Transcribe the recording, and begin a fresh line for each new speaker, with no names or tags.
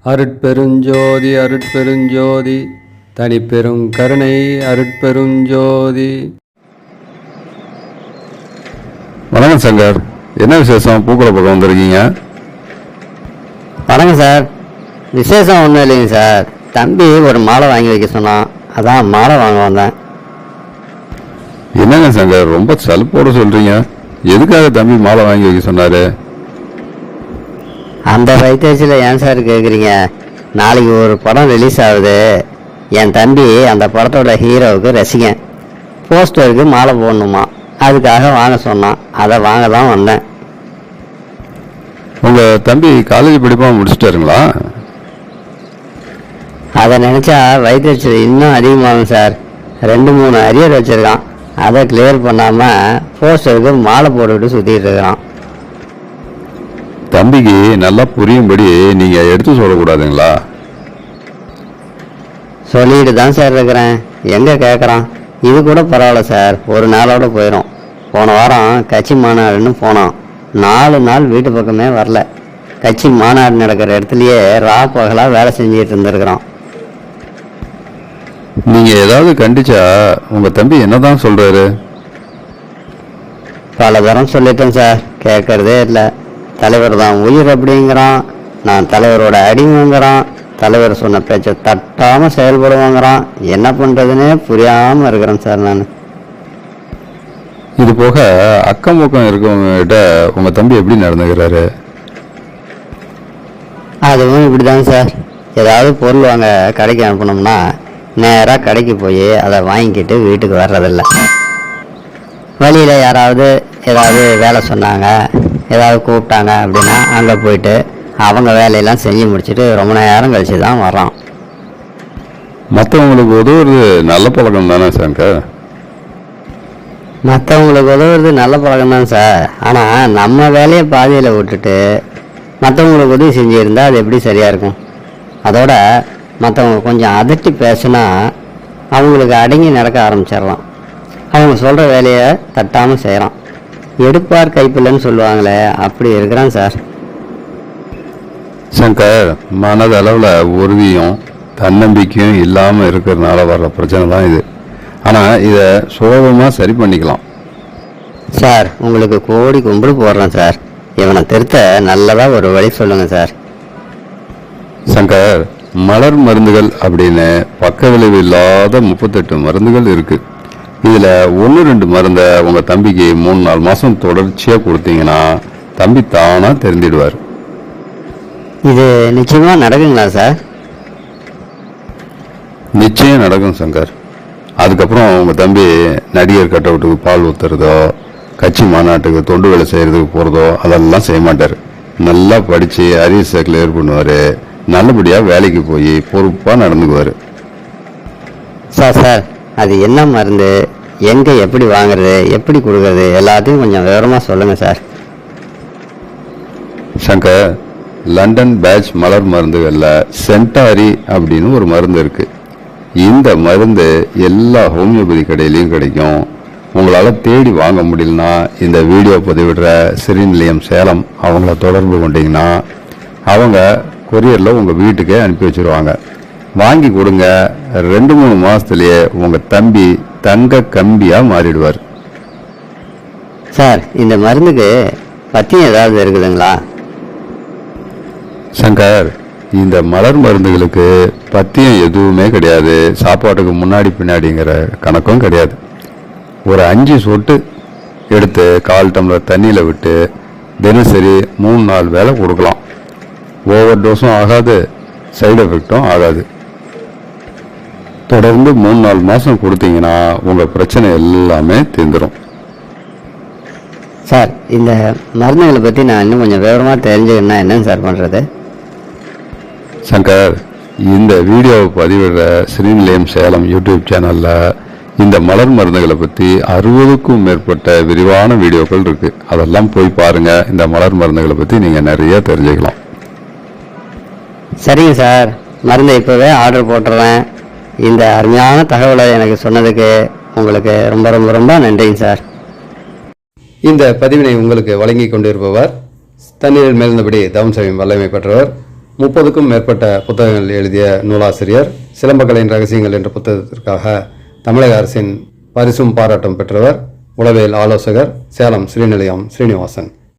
அருட்பெருஞ்சோதி அருட்பெருஞ்சோதி தனிப்பெரும் கருணை அருட்பெருஞ்சோதி.
வணக்கம் சங்கர், என்ன விசேஷம்? பூக்களை பக்கம் வந்திருக்கீங்க?
வணக்கம் சார். விசேஷம் ஒன்றும் இல்லைங்க சார். தம்பி ஒரு மாலை வாங்கி வைக்க சொன்னான், அதான் மாலை வாங்க வந்தேன்.
என்னங்க சங்கர், ரொம்ப சலுப்போடு சொல்றீங்க. எதுக்காக தம்பி மாலை வாங்கி வைக்க சொன்னாரு?
அந்த வைத்தியத்தில் ஏன் சார் கேட்குறீங்க? நாளைக்கு ஒரு படம் ரிலீஸ் ஆகுது. என் தம்பி அந்த படத்தோட ஹீரோவுக்கு ரசிகன். போஸ்டருக்கு மாலை போடணுமா, அதுக்காக வாங்க சொன்னான். அதை வாங்க தான் வந்தேன்.
உங்க தம்பி காலேஜ் படிப்பா முடிச்சிட்டாருங்களா?
அதை நினச்சா வைத்தியத்தில் இன்னும் அதிகமாகும் சார். 2-3 அரியர் வச்சுருக்கான். அதை கிளியர் பண்ணாமல் போஸ்டருக்கு மாலை போட்டுக்கிட்டு சுற்றிட்டு இருக்கிறான்.
தம்பிக்கு நல்லா புரியும்படி நீங்க எடுத்து சொல்லக்கூடாதுங்களா?
சொல்லிட்டு தான் சார் இருக்கிறேன். எங்கே கேட்குறான்? இது கூட பரவாயில்ல சார், ஒரு நாளோட போயிடும். போன வாரம் கட்சி மாநாடுன்னு போனோம். 4 நாள் வீட்டு பக்கமே வரல. கட்சி மாநாடு நடக்கிற இடத்துலையே பகலாக வேலை செஞ்சுட்டு இருந்திருக்கிறோம்.
நீங்க ஏதாவது கண்டிச்சா உங்க தம்பி என்னதான் சொல்றாரு?
பல தரம் சொல்லிட்டேன் சார், கேட்கறதே இல்லை. தலைவர் தான் உயிர் அப்படிங்கிறான். நான் தலைவரோட அடிமைங்கிறான். தலைவர் சொன்ன பேச்சை தட்டாமல் செயல்படுவாங்கிறான். என்ன பண்ணுறதுன்னே புரியாமல் இருக்கிறேன் சார் நான்.
இது போக அக்கம் பக்கம் இருக்கவங்க கிட்ட உங்க தம்பி எப்படி நடந்துக்கிறாரு?
அதுவும் இப்படி தான் சார். ஏதாவது பொருள் வாங்க கடைக்கு அனுப்பணும்னா நேராக கடைக்கு போய் அதை வாங்கிக்கிட்டு வீட்டுக்கு வர்றதில்ல. வழியில் யாராவது ஏதாவது வேலை சொன்னாங்க, ஏதாவது கூப்பிட்டாங்க அப்படின்னா அங்கே போயிட்டு அவங்க வேலையெல்லாம் செஞ்சு முடிச்சுட்டு ரொம்ப நேரம் கழிச்சு தான் வர்றான்.
மற்றவங்களுக்கு உதவுறது நல்ல பழக்கம் தானே சங்கர்?
மற்றவங்களுக்கு உதவுறது நல்ல பழக்கம் தான் சார். ஆனால் நம்ம வேலையை பாதியில் விட்டுட்டு மற்றவங்களுக்கு உதவி செஞ்சுருந்தா அது எப்படி சரியாக இருக்கும்? அதோட மற்றவங்க கொஞ்சம் அதட்டி பேசுனா அவங்களுக்கு அடங்கி நடக்க ஆரம்பிச்சிடலாம். அவங்க சொல்கிற வேலையை தட்டாமல் செய்கிறான். எடுப்பார் கைப்பில்லைன்னு சொல்லுவாங்களே, அப்படி இருக்கிறான் சார்.
சங்கர், மனதளவில் உறுதியும் தன்னம்பிக்கையும் இல்லாமல் இருக்கிறதுனால வர்ற பிரச்சனை தான் இது. ஆனால் இதை சுலபமாக சரி பண்ணிக்கலாம்
சார். உங்களுக்கு கோடி கும்பிடு போடுறேன் சார். இவனை திருத்த நல்லதாக ஒரு வழி சொல்லுங்கள் சார்.
சங்கர், மலர் மருந்துகள் அப்படின்னு பக்க விளைவு இல்லாத 38 மருந்துகள் இருக்கு. இதில் 1-2 மருந்தை உங்கள் தம்பிக்கு 3-4 மாதம் தொடர்ச்சியாக கொடுத்தீங்கன்னா தம்பி தானாக தெரிஞ்சிடுவார்.
இது நிச்சயமாக நடக்குங்களா சார்?
நிச்சயம் நடக்கும் சங்கர். அதுக்கப்புறம் உங்கள் தம்பி நடிகர் கட் அவுட்டுக்கு பால் ஊற்றுறதோ, கட்சி மாநாட்டுக்கு தொண்டு வேலை செய்கிறதுக்கு போகிறதோ அதெல்லாம் செய்ய மாட்டார். நல்லா படித்து அரியர்ஸை கிளியர் பண்ணுவார். நல்லபடியாக வேலைக்கு போய் பொறுப்பாக நடந்துக்குவார்.
சார் அது என்ன மருந்து, எங்கே எப்படி வாங்குறது, எப்படி கொடுக்கறது, எல்லாத்தையும் கொஞ்சம் விவரமாக சொல்லுங்கள் சார்.
சங்கர், லண்டன் பேட்ச் மலர் மருந்துகளில் சென்டாரி அப்படின்னு ஒரு மருந்து இருக்கு. இந்த மருந்து எல்லா ஹோமியோபதி கடையிலையும் கிடைக்கும். உங்களால் தேடி வாங்க முடியலன்னா இந்த வீடியோ பதிவிடுற ஸ்ரீநிலையம் சேலம் அவங்கள தொடர்பு கொண்டீங்கன்னா அவங்க கொரியரில் உங்கள் வீட்டுக்கே அனுப்பி வச்சுருவாங்க. வாங்கி கொடுங்க. 2-3 மாதத்துலேயே உங்கள் தம்பி தங்க கம்பியாக மாறிடுவார்.
சார், இந்த மருந்துக்கு பத்தியம் ஏதாவது இருக்குதுங்களா?
சங்கர், இந்த மலர் மருந்துகளுக்கு பத்தியம் எதுவுமே கிடையாது. சாப்பாட்டுக்கு முன்னாடி பின்னாடிங்கிற கணக்கும் கிடையாது. ஒரு 5 சொட்டு எடுத்து 1/4 டம்ளர் தண்ணியில் விட்டு தினசரி 3-4 வேளை கொடுக்கலாம். ஓவர் டோஸும் ஆகாது, சைடு எஃபெக்டும் ஆகாது. தொடர்ந்து 3-4 மாதம் கொடுத்தீங்கன்னா உங்கள் பிரச்சனை எல்லாமே தீர்ந்துடும்.
சார், இந்த மருந்துகளை பற்றி நான் இன்னும் கொஞ்சம் விவரமாக தெரிஞ்சுக்கணுன்னா என்னங்க சார் பண்ணுறது?
சங்கர், இந்த வீடியோவை பதிவிடுற ஸ்ரீநிலையம் சேலம் யூடியூப் சேனலில் இந்த மலர் மருந்துகளை பற்றி 60க்கும் மேற்பட்ட விரிவான வீடியோக்கள் இருக்குது. அதெல்லாம் போய் பாருங்கள். இந்த மலர் மருந்துகளை பற்றி நீங்கள் நிறைய தெரிஞ்சுக்கலாம்.
சரிங்க சார், மருந்தை இப்போவே ஆர்டர் போட்டுறேன். இந்த அருமையான தகவலை எனக்கு சொன்னதுக்கு உங்களுக்கு ரொம்ப ரொம்ப ரொம்ப நன்றிங்க சார்.
இந்த பதிவினை உங்களுக்கு வழங்கி கொண்டிருப்பவர் தண்ணீரில் மேல்ந்தபடி தவம் செய்யும் வல்லமை பெற்றவர் 30க்கும் மேற்பட்ட புத்தகங்கள் எழுதிய நூலாசிரியர். சிலம்பக்கலையின் ரகசியங்கள் என்ற புத்தகத்திற்காக தமிழக அரசின் பரிசும் பாராட்டும் பெற்றவர். உளவியல் ஆலோசகர், சேலம் ஸ்ரீநிலையம் ஸ்ரீனிவாசன்.